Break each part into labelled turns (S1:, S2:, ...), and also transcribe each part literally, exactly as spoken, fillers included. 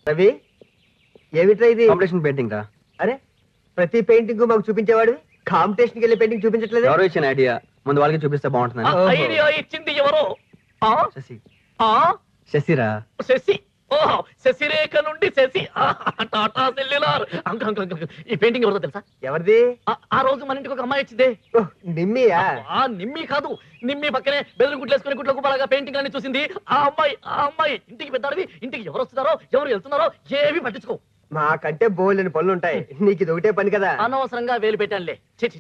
S1: రవి ఏమిట్రా ఇది?
S2: Competition painting రా.
S1: అరే ప్రతి పెయింటింగ్ మాకు చూపించేవాడు, కాంపిటీషన్కి వెళ్ళి పెయింటింగ్ చూపించట్లేదు.
S2: ఎవరో ఇచ్చిన ఐడియా, ముందు వాళ్ళకి చూపిస్తే బాగుంటుంది.
S3: ఐడియా ఇచ్చింది ఎవరో?
S2: శశి.
S3: ఆ
S2: శశిరా.
S3: శశి. ఓహో, శశిరేఖ నుండి శశి. Tata cellular. ఈ పెయింటింగ్ ఎవరిదో తెలుసా?
S1: ఎవరిది?
S3: ఆ రోజు మన ఇంటికి ఒక అమ్మాయి వచ్చిందే.
S1: నిమ్మియా?
S3: ఆ నిమ్మి కాదు, నిమ్మి పక్కనే బెదురు గుట్లేసుకుని గుట్లకు బాగా పెయింటింగ్ అన్ని చూసింది ఆ అమ్మాయి. ఆ అమ్మాయి ఇంటికి పెద్దాడివి, ఇంటికి ఎవరు వస్తున్నారో ఎవరు వెళ్తున్నారో ఏవి పట్టించుకో.
S1: మాకంటే బోల్డెని పనులు ఉంటాయి, నీకు ఇది ఒకటే పని కదా.
S3: అనవసరంగా వేలు పెట్టానులే.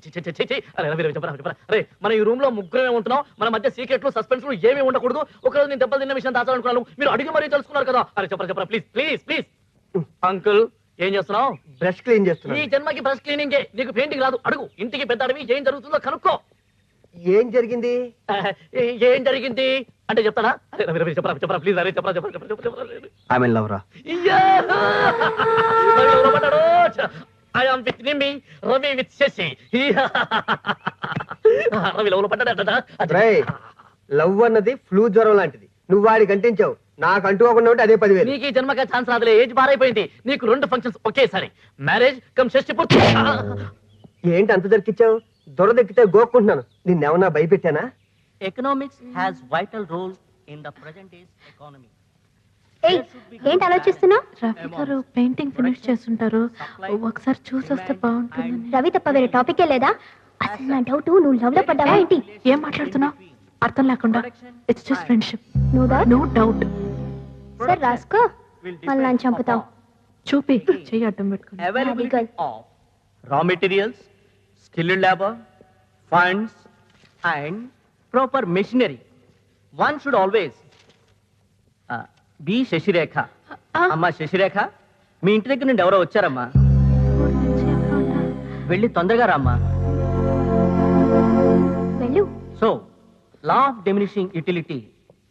S3: అరే మన ఈ రూమ్ లో ముగ్గురమే ఉంటున్నాం, మన మధ్య సీక్రెట్లు సస్పెన్స్లు ఏమీ ఉండకూడదు. ఒకరోజు నేను దెబ్బలు తిన్న విషయం దాచాలనుకున్నాను, మీరు అడిగి మరీ తెలుసుకున్నారు కదా. అరే చెప్పరా చెప్పరా ప్లీజ్ ప్లీజ్ ప్లీజ్. అంకుల్ ఏం చేస్తున్నావు?
S1: బ్రష్ క్లీన్ చేస్తున్నా.
S3: ఈ జన్మకి బ్రష్ క్లీనింగే, నీకు పెయింటింగ్ రాదు. అడుగు, ఇంటికి పెద్ద అడవి, ఏం జరుగుతుందో కనుక్కో.
S1: ఏం జరిగింది?
S3: ఏం జరిగింది అంటే చెప్తాడా? అరే రవి రవి చెప్పరా చెప్పరా ప్లీజ్. అరే చెప్పరా చెప్పరా చెప్పరా.
S2: ఐ మీన్ లవ్ రా.
S3: I am with Nimi, Ravi with Shashi. Ravi love లో పడ్డాడట.
S1: లవ్ అన్నది ఫ్లూ జ్వరం లాంటిది, నువ్వు వాడికి అంటించావు, నాకు అంటుకోకుండా ఉంటే అదే పదివేలు.
S3: నీకు ఈ జన్మగా ఛాన్స్ రాదులే, ఏజ్ బారైపోయింది. నీకు రెండు ఫంక్షన్స్ ఒకేసారి, మ్యారేజ్ కమ్ షష్టి పూర్తి.
S1: ఏంటి అంత దొరికిచ్చావు? దొరదెక్కితే గోక్కుంటున్నాను, నిన్నెవన్నా భయపెట్టానా?
S4: Economics has vital role in the present days economy.
S5: ఏంటి ఆలోచిస్తున్నావు?
S6: రవి గారు పెయింటింగ్ ఫినిష్ చేస్తుంటారు, ఒకసారి చూసి వస్తే బాగుంటుంది.
S5: రవి తప్ప వేరే టాపికే లేదా? అసలు నా డౌట్, నువ్వు లవ్ లో పడ్డావా ఏంటి?
S6: ఏం మాట్లాడుతున్నావు అర్థం లేకుండా? It's just friendship.
S5: No doubt.
S6: No doubt.
S5: సరే రాసుకో, మళ్ళీ నన్ను చంపుతావు.
S6: చూపి చెయ్యి అడ్డం పెట్టుకుని.
S4: Availability of raw materials, skilled labor, funds and proper machinery. One should always uh, be Sasirekha. అమ్మా శశిరేఖ, మీ ఇంటి దగ్గర నుండి ఎవరో వచ్చారమ్మా, వెళ్ళి తొందరగా రామ్మా.
S5: వెళ్ళు.
S4: So law of diminishing utility.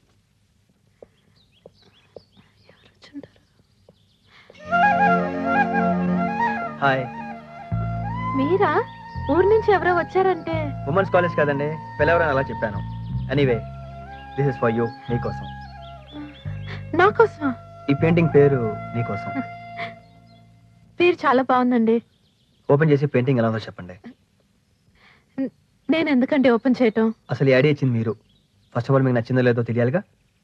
S2: Hi.
S6: మీరా? ఊరు నుంచి ఎవరో వచ్చారంటే?
S2: ఉమెన్స్ కాలేజ్ కదండి, పిలవరని అలా చెప్పాను. Anyway this is for you, నీకోసం.
S6: నాకోసమా?
S2: ఈ పెయింటింగ్ పేరు నీకోసం.
S6: పేరు చాలా బాగుందండి.
S2: ఓపెన్ చేసి పెయింటింగ్ ఎలా ఉందో చెప్పండి.
S6: నేను ఎందుకంటే ఓపెన్ చేయటం?
S2: అసలు ఈ ఐడియా ఇచ్చింది మీరు. ఫస్ట్ ఆఫ్ ఆల్ మీకు నచ్చిందో లేదో తెలియాలిగా.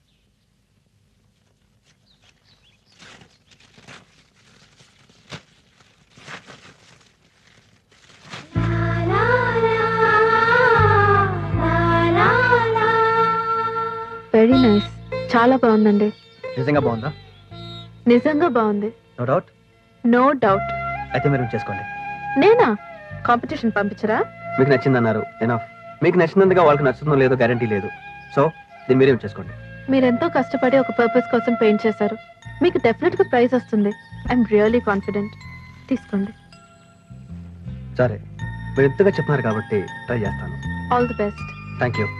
S6: వెరీ నైస్, చాలా బాగుందండి.
S2: నిజంగా బాగుందా?
S6: నిజంగా బాగుంది.
S2: No doubt.
S6: No doubt.
S2: అయితే మీరు చేసుకోండి.
S6: నేనా? కాంపిటీషన్ పంపించరా?
S2: మీకు నచ్చిందన్నారు, ఎనఫ్. మీకు నచ్చినందుగా వాళ్ళకి నచ్చుతుందో లేదో గ్యారంటీ లేదు. సో దీన్ని మీరేం చేసుకోండి.
S6: మీరెంతో కష్టపడి ఒక పర్పస్ కోసం పెయింట్ చేశారు, మీకు డెఫినెట్ గా ప్రైజ్ వస్తుంది. I'm really confident. తీసుకోండి.
S2: సరే, మీరు ఎంతగా చెప్తున్నారు కాబట్టి ట్రై చేస్తాను.
S6: All the best.
S2: Thank you.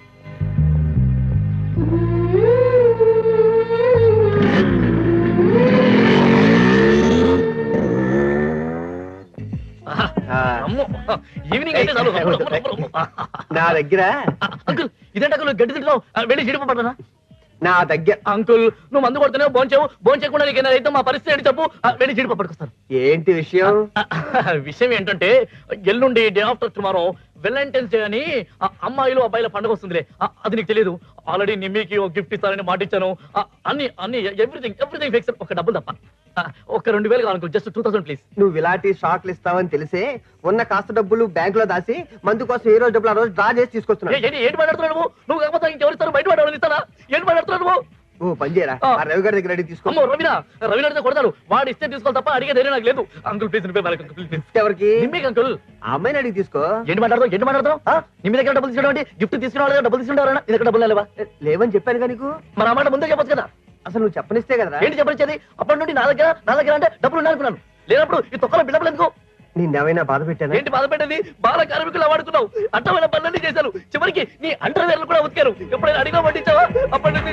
S3: Evening అయితే చాలు.
S1: నా దగ్గర
S3: అంకుల్ ఇదేంటి అంకుల్ గడ్డి తింటున్నావు? వెళ్ళి జీడిపడ్డా.
S1: నా దగ్గర
S3: అంకుల్ నువ్వు మందు కొడుతున్నావు, భోంచేవు. భోంచేయకుండా నీకు అయితే మా పరిస్థితి ఏంటి చెప్పు. వెళ్ళి జీడిపప్పు పట్టుకొస్తాను.
S1: ఏంటి విషయం?
S3: విషయం ఏంటంటే ఎల్లుండి day after tomorrow Valentine's day అని అమ్మాయిలు అబ్బాయిల పండుగ వస్తుందిలే. అది నీకు తెలియదు. ఆల్రెడీ నిమ్మికి ఒక గిఫ్ట్ ఇస్తారని మాట ఇచ్చాను. అన్ని అన్ని ఎవ్రీథింగ్ ఎవ్రీథింగ్ ఫిక్స్. ఒక డబ్బులు తప్ప ఒక రెండు వేలు కావాలి, జస్ట్ టూ థౌసండ్ ప్లీజ్.
S1: నువ్వు ఇలాంటి షాక్లు ఇస్తావని తెలిసే ఉన్న కాస్త డబ్బులు బ్యాంక్ లో దాసి మందు కోసం ఏ రోజు డబ్బులు ఆ రోజు డ్రా చేసి తీసుకొస్తున్నావు.
S3: ఏంటి మాట్లాడుతున్నావు నువ్వు? నువ్వు కాకపోతే ఇంకెవరిస్తారు? బయట పడవని ఇస్తారా? ఏంటి మాట్లాడుతున్నావు నువ్వు?
S1: ఓ పని చేయరా, ఆ రవి గారి దగ్గర అడిగి తీసుకో.
S3: రవినా రవిన అడిగితే కొడతాడు. వాడు ఇస్తే తీసుకోవాలి తప్ప అడిగే ధైర్యం నాకు లేదు. అంకుల్ ప్లీజ్
S1: గిఫ్ట్ ఎవరికి?
S3: నిమ్మికి అంకుల్.
S1: ఆ అమ్మాయిని అడిగి తీసుకో.
S3: ఏంటి మాట్లాడతావు? ఏంటి మాట్లాడతావు? నిమ్మి దగ్గర డబ్బులు తీసుకోవడం ఏంటి? గిఫ్ట్ తీసుకురావాలి, డబ్బులు తీసుకుంటారా? నీ దగ్గర డబ్బులు లేవా?
S1: లేవని చెప్పాను కదా నీకు.
S3: మరి ఆ మాట ముందే చెప్పొచ్చు కదా.
S1: అసలు నువ్వు చెప్పనిస్తే కదా.
S3: ఏంటి చెప్పనిచ్చేది? అప్పటి నుండి నా దగ్గర నా దగ్గర అంటే డబ్బులు ఉన్నానుకున్నాను. లేనప్పుడు ఈ తొక్కలో బిడ్డలు ఎందుకు?
S1: నిన్నేమైనా బాధ పెట్టాను?
S3: ఏంటి బాధ పెట్టేది? బాల కార్మికులు వాడుకున్నావు, అట్టమైన పనులన్నీ చేశారు, చివరికి నీ అండర్వేర్లు కూడా ఉతికారు. ఎప్పుడైనా అడిగా పట్టించావా? అప్పటి నుంచి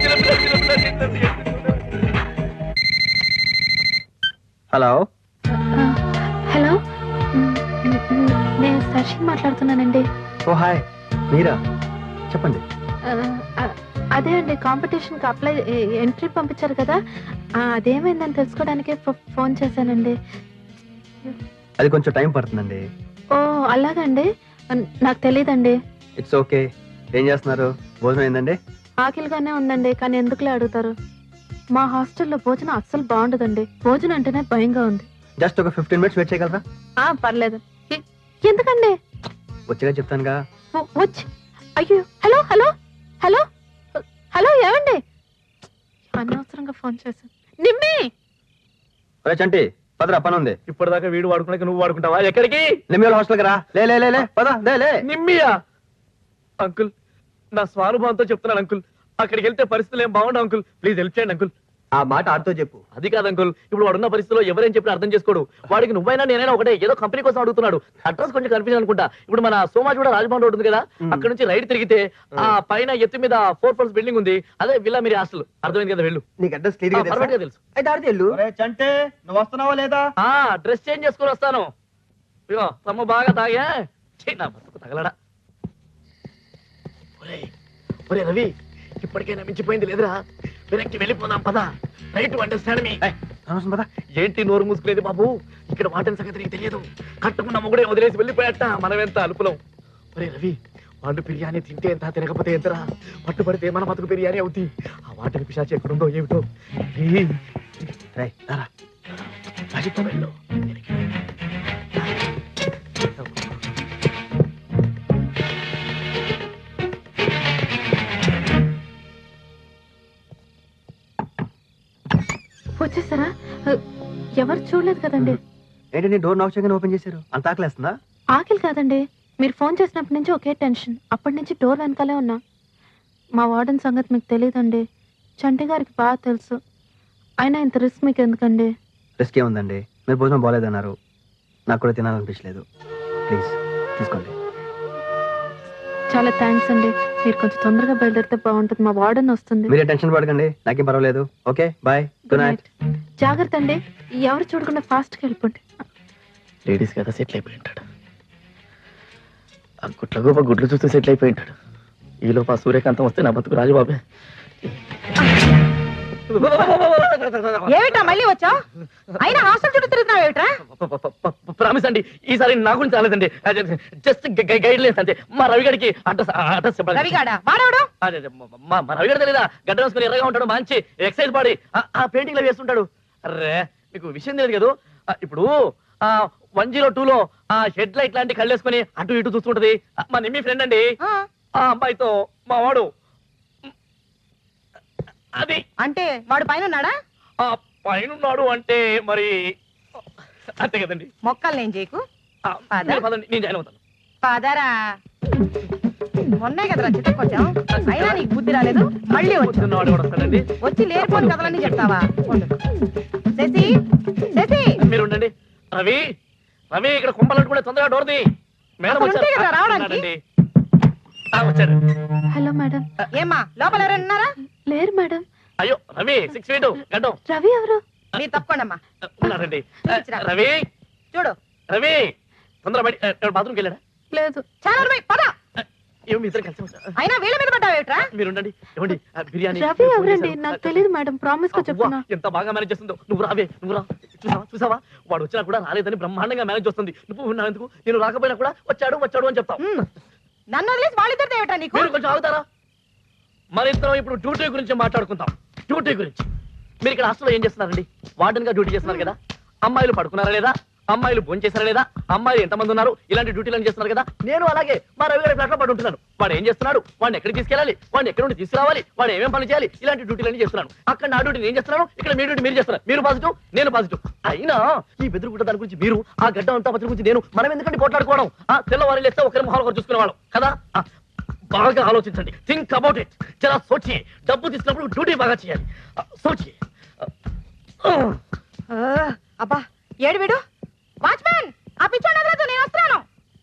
S2: హలో
S6: హలో, నేను సర్షి మాట్లాడుతున్నానండి.
S2: ఓ హాయ్, మీరా? చెప్పండి.
S6: ఆ, అదే అండి కాంపిటీషన్ కి అప్లై ఎంట్రీ పంపించారు కదా ఆ, అదేమైందని తెలుసుకోవడానికి ఫోన్ చేశానండి.
S2: అది కొంచెం టైం పడుతుందండి.
S6: ఓ అలాగండి, నాకు తెలియదండి.
S2: It's okay. ఏం చేస్తున్నారు? భోజనం ఏందండి?
S6: ఆకలిగానే ఉందండి, కానీ ఎందుకులే అడుగుతారు. మా హాస్టల్లో భోజనం అస్సలు బాగుండదండి. భోజనం అంటేనే భయంగా ఉంది.
S2: జస్ట్ ఒక ఫిఫ్టీన్ మినిట్స్ వెయిట్ చేయగలరా?
S6: ఆ పర్లేదు. ఎ- ఎందుకండి?
S2: వచ్చేగా చెప్తానుగా.
S6: వ- వచ్చి అయ్యో హలో హలో హలో హలో ఏమండి? అనవసరంగా ఫోన్ చేశాను. నిమ్మి
S2: ఒరే చంటి పదరా, పని ఉంది.
S3: ఇప్పటిదాకా వీడు వాడుకున్నాక నువ్వు వాడుకుంటావా? ఎక్కడికి?
S2: నిమ్మల హాస్టల్కి రా. లే లే లే లే పద లే లే.
S3: నిమ్మియా? అంకుల్, నా స్వానుభవంతో చెప్తున్నాను అంకుల్, అక్కడికి వెళ్తే పరిస్థితులు ఏం బాగుండవు అంకుల్. ప్లీజ్ హెల్ప్ చేయండి అంకుల్.
S1: ఆ మాట ఆడుతో చెప్పు.
S3: అది కాదు అంకుల్, ఇప్పుడు వాడున్న పరిస్థితిలో ఎవరేం చెప్పినా అర్థం చేసుకోడు. వాడికి నువ్వైనా నేనైనా ఒకటే, ఏదో కంపెనీ కోసం అడుగుతున్నాడు. అడ్రస్ కొంచెం కన్ఫ్యూజన్ అనుకుంటా. ఇప్పుడు మన సోమాజ్ కూడా రాజభవన్ రోడ్ ఉంది కదా, అక్కడ నుంచి రైట్ తిరిగితే ఆ పైన ఎత్తు మీద ఫోర్ ఫ్లోర్స్ బిల్డింగ్ ఉంది, అదే విల్లా మీరు హాస్టల్. అర్థమైంది కదా? వెళ్ళు.
S1: నీకు అడ్రస్ క్లియర్ గా
S3: పర్ఫెక్ట్ గా
S1: తెలుసా?
S3: తెలుసు.
S1: అయితే ఆడితే వెళ్ళు.
S4: చంటే నువ్వు వస్తున్నావా లేదా?
S3: ఆ డ్రెస్ చేంజ్ చేసుకుని వస్తాను. ఇగో తమ్మ బాగా తాగా ఛీ, నా బతుకు తగలడా. ఒరేయ్, ఒరే రవి, ఇప్పటికైనా మించిపోయింది లేదురా. వెనక్కి వెళ్ళిపోదాం పద. Right to understand me.
S2: అనవసరం పద.
S3: ఏంటి నోరు మూసుకునేది బాబు? ఇక్కడ వాటిని సంగతి నీకు తెలియదు. కట్టుకున్న మొగుడే వదిలేసి వెళ్ళిపోయాట, మనమెంత అలుపులం. ఒరే రవి, వాళ్ళు బిర్యానీ తింటే ఎంత, తినకపోతే ఎంతరా? పట్టుబడితే మన బతుకు బిర్యానీ అవుతుంది. ఆ వాటిని పిశాచి ఎక్కడుందో ఏమిటో. రేయ్,
S2: రేయ్, రారా.
S3: రాజుతో వెళ్ళు. వెనక్కి వెళ్ళు.
S6: వచ్చేసారా? ఎవరు చూడలేదు కదండి.
S2: ఏంటండి డోర్ నాక్ చేయగానే ఓపెన్ చేశారు? అంత ఆకలేస్తుందా?
S6: ఆకలి కాదండి, మీరు ఫోన్ చేసినప్పటి నుంచి ఒకే టెన్షన్. అప్పటి నుంచి డోర్ వెనకాలే ఉన్నా. మా వార్డెన్ సంగతి మీకు తెలియదండి, చంటి గారికి బాగా తెలుసు. అయినా ఇంత రిస్క్ మీకు ఎందుకండి?
S2: రిస్క్ ఏముందండి, మీరు భోజనం బాగాలేదన్నారు, నాకు కూడా తినాలనిపించలేదు. ప్లీజ్ తీసుకోండి.
S6: చాలా థ్యాంక్స్ అండి. మీరు కొంచెం తొందరగా బయలుదేరితే బాగుంటుంది, మా వార్డెన్ వస్తుంది.
S2: మీరే టెన్షన్ పడకండి, నాకేం పర్వాలేదు. Okay bye, good night.
S6: జాగ్రత్త అండి, ఎవరు చూడకుండా ఫాస్ట్గా వెళ్ళిపోండి.
S3: లేడీస్ కదా సెటిల్ అయిపోయి ఉంటాడు. ఆ గుట్ల గోప గుడ్లు చూస్తే సెటిల్ అయిపోయి ఉంటాడు. ఈలోపు ఆ సూర్యకాంతం వస్తే నా బతుకు రాజుబాబే.
S7: ఏమిటా మళ్ళీ వచ్చా? అయినా హాస్టల్ చుట్టూ తిరుగుతున్నావు ఏమిట్రా?
S3: ప్రామిస్ అండి, ఈసారి నా గురించి రాలేదండి, జస్ట్ గైడ్ లైన్స్ అంతే. మా రవిగడికి అడ్రస్ అడ్రస్ చెప్పండి.
S7: రవిగాడా వాడవడు?
S3: అదే, మా మా రవిగడ తెలీదా? గడ్డ వేసుకుని ఎర్రగా ఉంటాడు, మంచి ఎక్సైజ్ బాడీ, ఆ పెయింటింగ్ లో వేస్తుంటాడు. అరే మీకు విషయం తెలియదు కదా, ఆ, ఇప్పుడు ఆ వన్ జీరో టూ లో ఆ హెడ్ లైట్ లాంటి కళ్ళు వేసుకుని అటు ఇటు చూస్తుంటది మా నిమ్మి ఫ్రెండ్ అండి.
S7: ఆ,
S3: ఆ అమ్మాయితో మా వాడు అది
S7: అంటే వాడు పైన ఉన్నాడా?
S3: ఆ పైనున్నాడు అంటే మరి అంతే కదండి.
S7: మొక్కలు నేను చేయకు.
S3: ఆ, మీరు పదండి, నేను జాయిన్ అవుతాను.
S7: పదరా. మొన్నే కదరా చిత్తకొచ్చాం, అయినా నీకు బుద్ధి రాలేదు. మళ్ళీ వచ్చి
S3: పొద్దున్నవాడు కూడా వస్తాడండి.
S7: వచ్చి లేనిపోని కథలన్నీ చెప్తావా? ఉండు. శశి, శశి,
S3: మీరు ఉండండి. రవి, రవి ఇక్కడ కుంపలంటుకుంటే తొందరగా డోర్ది. మేడం
S7: అసలు ఉంటే కదా
S3: వచ్చారు.
S7: రావడానికి?
S3: ఉన్నాడండి. ఆ, వచ్చారు.
S6: Hello madam.
S7: ఏమ్మా లోపల ఎవరైనా ఉన్నారా?
S6: లేరు మేడం.
S3: అయ్యో రవి, సిక్స్ ఫీట్ గడ్డం
S6: రవి ఎవరు?
S7: మీరు తప్పకుండా
S3: ఉన్నారండి.
S7: చూపించురా.
S3: రవి,
S7: చూడు.
S3: రవి తొందర బయట బాత్రూమ్కి వెళ్ళాడా?
S6: లేదు.
S7: చాలా పోయి పద.
S3: ఏమో మీ ఇద్దరు కలిసి వచ్చారు.
S7: అయినా వీళ్ళ మీద పడ్డావేట్రా?
S3: మీరు ఉండండి. ఏమండి ఆ బిర్యానీ
S6: రవి ఎవరండి? నాకు తెలియదు మేడం, ప్రామిస్ గా
S3: అవ్వా,
S6: చెప్తున్నా.
S3: ఎంత బాగా మేనేజ్ చేస్తుందో. నువ్వు రావే, నువ్వు రా. చూసావా చూసావా వాడు వచ్చినా కూడా రాలేదని బ్రహ్మాండంగా మేనేజ్ చేస్తుంది. నువ్వు ఉన్నావు ఎందుకు? నేను రాకపోయినా కూడా వచ్చాడు వచ్చాడు అని చెప్తావు.
S7: ఉమ్. నన్ను వదిలేసి వాళ్ళిద్దరితో ఏమిట్రా నీకు?
S3: మీరు కొంచెం ఆగుతారా? మరి ఇద్దరం ఇప్పుడు డ్యూటీ గురించి మాట్లాడుకుందాం. డ్యూటీ గురించి మీరు ఇక్కడ హాస్టల్లో ఏం చేస్తున్నారండి? వార్డెన్ గా డ్యూటీ చేస్తున్నారు కదా. అమ్మాయిలు పడుకున్నారా లేదా? అమ్మాయిలు భోజనం చేస్తారా లేదా? అమ్మాయిలు ఎంతమంది ఉన్నారు? ఇలాంటి డ్యూటీలను చేస్తున్నారు కదా. నేను అలాగే మా రవి గారి ఫ్లాట్ లో పడి ఉంటున్నాను. వాడు ఏం చేస్తున్నాడు? వాడిని ఎక్కడికి తీసుకెళ్ళాలి? వాడిని ఎక్కడి నుండి తీసుకురావాలి? వాడు ఏమేం పని చేయాలి? ఇలాంటి డ్యూటీలన్నీ చేస్తున్నాను. అక్కడ నా డ్యూటీ నేను చేస్తున్నాను, ఇక్కడ మీ డ్యూటీ మీరు చేస్తున్నారు. మీరు పాజిటివ్, నేను పాజిటివ్. అయినా ఈ బెదురుగుడ్డ దాని గురించి మీరు, ఆ గడ్డ అంతా పత్రి గురించి నేను, మనం ఎందుకంటే పోట్లాడుకోవడం? ఆ తెల్లవారు లేస్తే ఒకరి మొహాలు ఒకరు చూసుకునేవాళ్ళం కదా. ఆ, బాగా ఆలోచించండి. Think about it. చాలా సోచి. డబ్బు తీసుకున్నప్పుడు డ్యూటీ బాగా చేయాలి. సోచి.
S7: ఆ, అబ్బా ఏడు వీడు. వాచ్మ్యాన్, ఆ పిచ్చోడు వదలొద్దు, నేను వస్తున్నాను.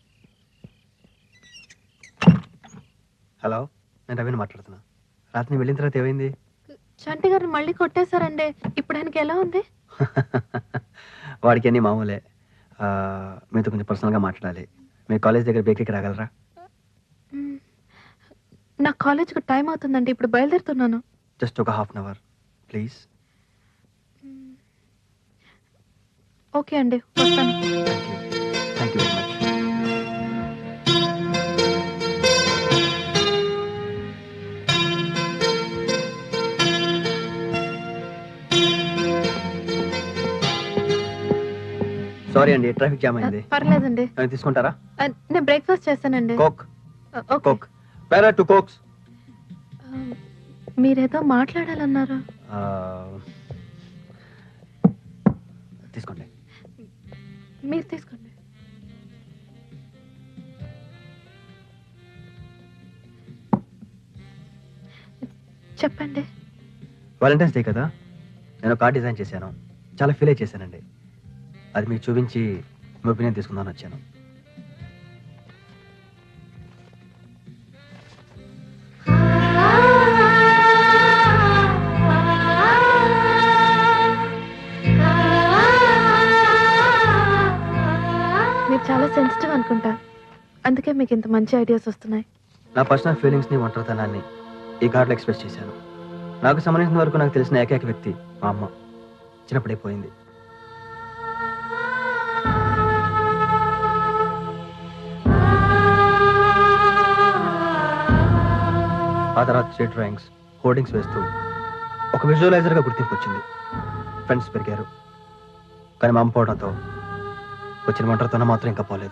S2: హలో, నేను రవిని మాట్లాడుతున్నా. రాత్రి వెళ్ళిన తర్వాత ఏమైంది?
S6: చంటి గారిని మళ్ళీ కొట్టేశారండి. ఇప్పుడు ఆయనకి ఎలా ఉంది?
S2: వాడికి అన్ని మామూలే. ఆ, మీతో కొంచెం పర్సనల్గా మాట్లాడాలి. మీ కాలేజ్ దగ్గర బేకరీకి రాగలరా?
S6: మ్, నా కాలేజ్కి టైం అవుతుందండి, ఇప్పుడు బయలుదేరుతున్నాను.
S2: జస్ట్ ఒక half an hour please.
S6: Okay అండి, వస్తాను.
S2: Thank you very much. Sorry అండి, ట్రాఫిక్ జామ్ అయింది.
S6: పర్లేదండి.
S2: ఏమైనా తీసుకుంటారా?
S6: ఆ, నేను బ్రేక్ఫాస్ట్ చేస్తానండి.
S2: కోక్.
S6: ఆ, ఓకే.
S2: కోక్. పేరా టూ కోక్స్.
S6: ఆ, మీరేదో మాట్లాడాలన్నారు.
S2: తీసుకోండి.
S6: మీరు తీసుకోండి. చెప్పండి.
S2: వాలంటైన్స్ డే కదా, నేను కార్డ్ డిజైన్ చేశాను. చాలా ఫీల్ అయి చేశానండి. అది మీకు చూపించి మీ ఒపీనియన్ తీసుకుందామని వచ్చాను.
S6: మీరు చాలా సెన్సిటివ్ అనుకుంటా, అందుకే మీకు ఇంత మంచి ఐడియాస్ వస్తున్నాయి.
S2: నా పర్సనల్ ఫీలింగ్స్ని, ఒంటరితనాన్ని ఈ కార్డులో ఎక్స్ప్రెస్ చేశాను. నాకు సంబంధించిన వరకు నాకు తెలిసిన ఏకైక వ్యక్తి మా అమ్మ. చిన్నప్పుడే పోయింది. ఆ తర్వాత స్ట్రీట్ డ్రాయింగ్స్, హోర్డింగ్స్ వేస్తూ ఒక విజువలైజర్గా గుర్తింపు వచ్చింది. ఫ్రెండ్స్ పెరిగారు. కానీ మా అమ్మ పోవడంతో వచ్చిన ఒంటరితనం మాత్రం ఇంకా పోలేదు.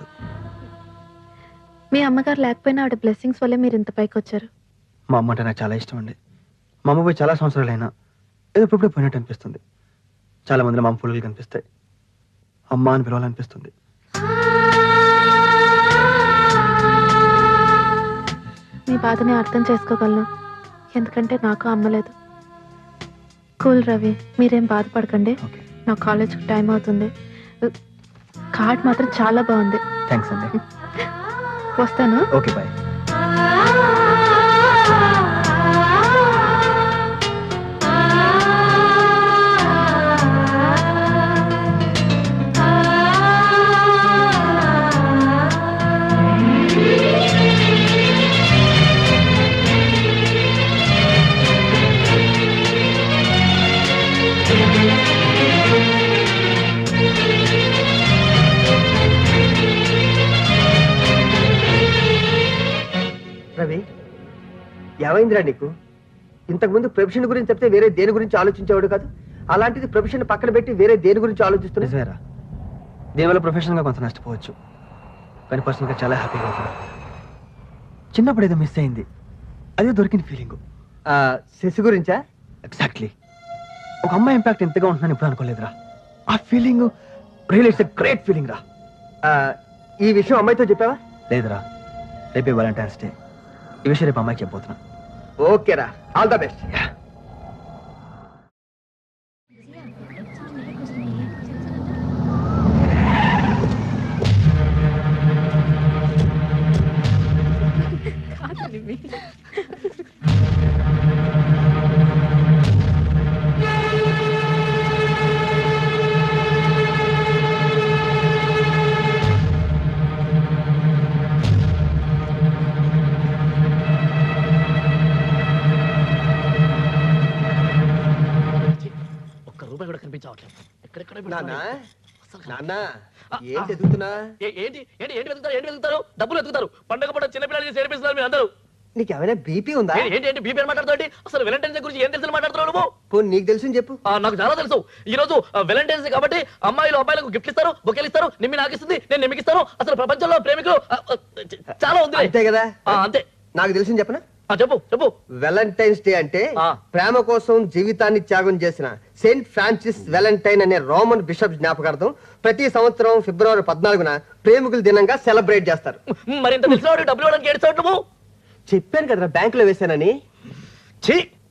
S6: మీ అమ్మగారు లేకపోయినా ఆవిడ బ్లెస్సింగ్స్ వల్లే మీరు ఇంత పైకి వచ్చారు.
S2: మా అమ్మ అంటే నాకు చాలా ఇష్టం అండి. మా అమ్మ పోయి చాలా సంవత్సరాలైనా ఏదో ఇప్పుడే పోయినట్టు అనిపిస్తుంది. చాలా మందిలో మా అమ్మ పుల్లలు కనిపిస్తాయి. అమ్మ అని పిలవాలనిపిస్తుంది.
S6: మీ బాధని అర్థం చేసుకోగలను, ఎందుకంటే నాకు అమ్మలేదు. కూల్ రవి, మీరేం బాధపడకండి.
S2: ఓకే,
S6: నా కాలేజ్కి టైం అవుతుంది. కార్డ్ మాత్రం చాలా బాగుంది.
S2: థ్యాంక్స్ అండి.
S6: వస్తాను.
S2: Okay, bye.
S1: రవి, ఏమైందిరా నీకు? ఇంతకుముందు ప్రొఫెషన్ గురించి చెప్తే వేరే దేని గురించి ఆలోచించేవాడు కాదు. అలాంటిది ప్రొఫెషన్ పక్కన పెట్టి వేరే దేని గురించి ఆలోచిస్తున్నా?
S2: నిజమేరా, దీనివల్ల ప్రొఫెషనల్గా కొంత నష్టపోవచ్చు, కానీ పర్సనల్గా చాలా హ్యాపీగా ఉంది. చిన్నప్పుడు ఏదో మిస్ అయింది, అదే దొరికిన ఫీలింగ్.
S1: శశి గురించా?
S2: ఎగ్జాక్ట్లీ. ఒక అమ్మాయి ఇంపాక్ట్ ఎంతగా ఉంటుందని ఇప్పుడు అనుకోలేదురా. ఆ feeling real it's a great feeling రా.
S1: ఆ, ఈ విషయం అమ్మాయితో చెప్పావా?
S2: లేదురా, రేపే వాలంటైన్స్ డే. ఈ విషయం రేపు అమ్మాయికి చెప్పబోతున్నా.
S1: ఓకేరా, ఆల్ ద బెస్ట్. నాన్న, నాన్న, ఏంటి ఎదుగుతున్నా?
S3: ఏంటి ఏంటి ఏంటి వెతుకుతారు ఏంటి వెతుకుతారు డబ్బులు వెతుకుతారు. పండుగ పూట చిన్నపిల్లలు చేసి ఏడిపిస్తున్నారు మీరు అందరూ.
S1: నీకేమైనా బీపీ ఉందా?
S3: ఏంటి ఏంటి ఏంటి బీపీ మాట్లాడుతావు? అసలు వెలంటైన్స్ డే గురించి ఏం తెలుసు మాట్లాడుతున్నావు నువ్వు?
S1: పోనీ నీకు తెలుసు చెప్పు.
S3: ఆ, నాకు చాలా తెలుసు. ఈ రోజు వెలంటైన్స్ డే కాబట్టి అమ్మాయిలు అబ్బాయిలకు గిఫ్ట్ ఇస్తారు, బొకేలు ఇస్తారు. నిమ్మి నాకు ఇస్తుంది, నేను నిమ్మికి ఇస్తాను. అసలు ప్రపంచంలో ప్రేమికులు ఆ, ఆ, చాలా ఉంది.
S1: అంతే కదా?
S3: ఆ, అంతే.
S1: నాకు తెలిసింది చెప్పనా?
S3: ఆ, చెప్పు చెప్పు.
S1: వెలంటైన్స్ డే అంటే
S3: ఆ.
S1: ప్రేమ కోసం జీవితాన్ని త్యాగం చేసిన సెయింట్ ఫ్రాన్సిస్ వెలంటైన్ అనే రోమన్ బిషప్ జ్ఞాపకార్థం ప్రతి సంవత్సరం ఫిబ్రవరి పద్నాలుగున ప్రేమికుల దినంగా సెలబ్రేట్ చేస్తారు.
S3: మరి ఇంత తెలిసిన డబ్బులు ఇవ్వడానికి ఏడుస్తావు నువ్వు?
S1: చెప్పాను కదరా, బ్యాంకులో వేశానని.
S3: ఛీ!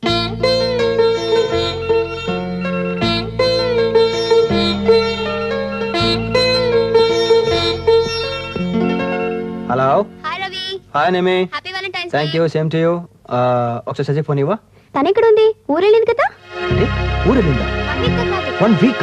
S2: Hello.
S5: Hi Ravi,
S2: hi Nimi.
S5: Happy Valentine's
S2: thank you, same to you. ఒకసారి సజెక్ట్ ఫోన్ ఇవ్వా.
S5: తను ఎక్కడుంది? ఊరెళ్ళింది కదా.
S2: ఊరు వెళ్ళిందా? One week.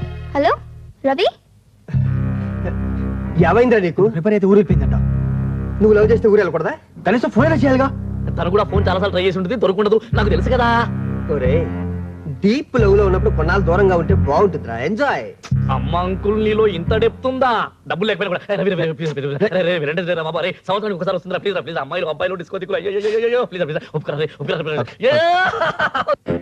S5: హలో రవి,
S1: ఏమైందిరా నీకు?
S2: ప్రిపేర్ అయితే ఊరు వెళ్ళిపోయిందంట.
S1: నువ్వు లవ్ చేస్తే ఊరు వెళ్ళకూడదా?
S2: కనీసం ఫోన్ అయినా చేయాలిగా.
S3: తను కూడా ఫోన్ చాలాసార్లు ట్రై చేసి ఉంటుంది, దొరకుండదు, నాకు తెలుసు కదా.
S1: ఒరే డీప్ లవ్ లో ఉన్నప్పుడు కొన్నాళ్ళు దూరంగా ఉంటే బాగుంటుందిరా. ఎంజాయ్.
S3: అమ్మ అంకుల్ నీలో ఇంత డెప్త్ ఉందా? డబ్బులు లేకపోయినా కూడా, "ఏ, Ravi, Ravi, please, please, please, రే, రే, వినండి, రే, బాబా, రే, సంవత్సరానికి ఒకసారి వస్తుందిరా, ప్లీజ్ రా, ప్లీజ్, అమ్మాయిలు అబ్బాయిలు డిస్కో దిక్కులు, అయ్యో, అయ్యో, అయ్యో, ప్లీజ్ రా, ప్లీజ్, ఒప్పుకోరా, రే, ఒప్పుకోరా, ప్లీజ్. ఏ!